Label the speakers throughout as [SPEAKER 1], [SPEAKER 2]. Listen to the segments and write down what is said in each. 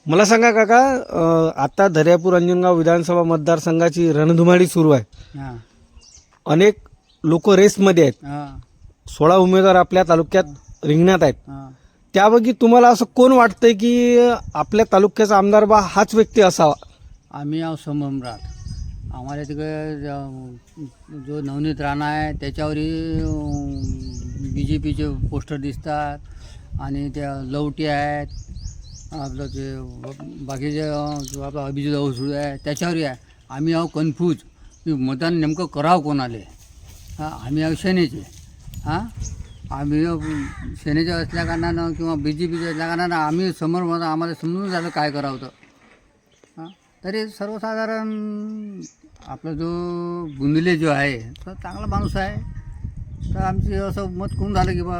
[SPEAKER 1] मला सांगा काका, आता दर्यापूर अंजनगाव विधानसभा मतदारसंघाची रणधुमाळी सुरू आहे.
[SPEAKER 2] हां
[SPEAKER 1] अनेक लोक रेसमध्ये आहेत.
[SPEAKER 2] हां
[SPEAKER 1] 16 उमेदवार आपल्या तालुक्यात रिंगणात आहेत.
[SPEAKER 2] हां
[SPEAKER 1] त्यापैकी तुम्हाला असं कोण वाटतंय की आपल्या तालुक्याचा आमदार बा हाच व्यक्ती असावा?
[SPEAKER 2] आम्ही आहो सम्राट. आम्हाला तिकडे जो नवनीत राणा आहे त्याच्यावरही BJPचे पोस्टर दिसतात आणि त्या लवटी आहेत. आपलं ते बाकीचे जो आपला अभिजित अवसूळ आहे त्याच्यावरही आहे. आम्ही आहो कन्फ्यूज की मतदान नेमकं करावं कोणाले. हां आम्ही आहो सेनेचे. हां आम्ही सेनेचे असल्या कारणानं किंवा BJPचे असल्या कारणानं आम्ही समोर मला आम्हाला समजून झालं काय करावं तर. हां तरी सर्वसाधारण आपला जो बुंदिले जो आहे तो चांगला माणूस आहे. तर आमची असं मत करून झालं की बा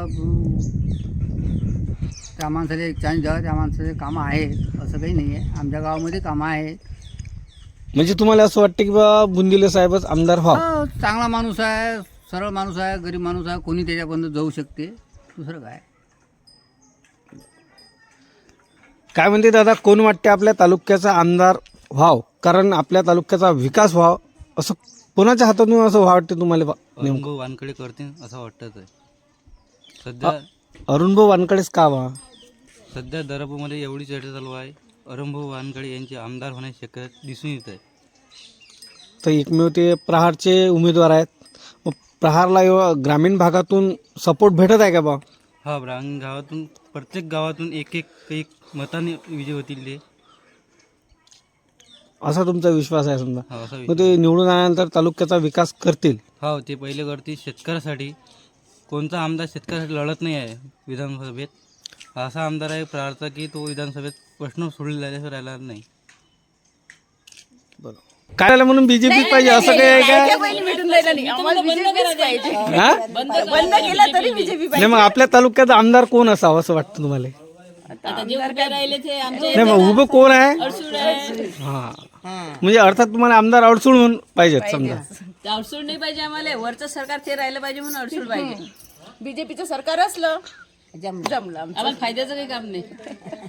[SPEAKER 2] त्या माणसाला एक चान्स द्यावा. त्या माणसाचे कामं आहेत असं काही नाही आहे. आमच्या गावामध्ये कामं आहेत.
[SPEAKER 1] म्हणजे तुम्हाला असं वाटतं की बा बुंदिले साहेबच आमदार व्हावं?
[SPEAKER 2] हो, चांगला माणूस आहे, सरळ माणूस आहे, गरीब माणूस आहे. कोणी त्याच्यापर्यंत जाऊ शकते. दुसरं काय.
[SPEAKER 1] काय म्हणते दादा, कोण वाटते आपल्या तालुक्याचा आमदार व्हाव? कारण आपल्या तालुक्याचा विकास व्हाव असं कोणाच्या हातातून असं वाटते तुम्हाला नेमकं?
[SPEAKER 3] अरुणभाऊ वानकडे करतील असं वाटतं. सध्या
[SPEAKER 1] अरुणभाऊ वानकडेच का व्हा?
[SPEAKER 3] सध्या दर्यापूरमध्ये एवढी चर्चा चालू आहे. अरुणभाऊ वानकडे यांचे आमदार होण्याची शक्यता दिसून येत आहे.
[SPEAKER 1] तर एकमेव ते प्रहारचे उमेदवार आहेत. मग प्रहारला ग्रामीण भागातून सपोर्ट भेटत आहे का बा?
[SPEAKER 3] हा ग्रामीण गावातून प्रत्येक गावातून एक मताने विजय होतील ते,
[SPEAKER 1] असा तुमचा विश्वास आहे समजा?
[SPEAKER 3] हा असा
[SPEAKER 1] मग ते निवडून आल्यानंतर तालुक्याचा विकास करतील?
[SPEAKER 3] हा ते पहिले करतील शेतकऱ्यासाठी. कोणता आमदार शेतकऱ्यासाठी लढत नाही आहे विधानसभेत. असा आमदार आहे प्रहारचा की तो विधानसभेत प्रश्न सोडलेला राहिला नाही.
[SPEAKER 1] काय झालं म्हणून BJP पाहिजे असं काही आहे का? हा?
[SPEAKER 4] बंद केला तरी बीजेपी
[SPEAKER 1] नाही मग आपल्या तालुक्याचा आमदार कोण असावं असं वाटतं तुम्हाला? नाही मग उभं कोण आहे? हा म्हणजे अर्थात तुम्हाला आमदार अडसूळ म्हणून पाहिजेत समजा?
[SPEAKER 4] अडसूळ नाही पाहिजे आम्हाला. वरचं सरकार ते राहिलं पाहिजे म्हणून अडसूळ पाहिजे. बीजेपीचं सरकार असलं जमलं आम्हाला फायद्याचं काही काम नाही.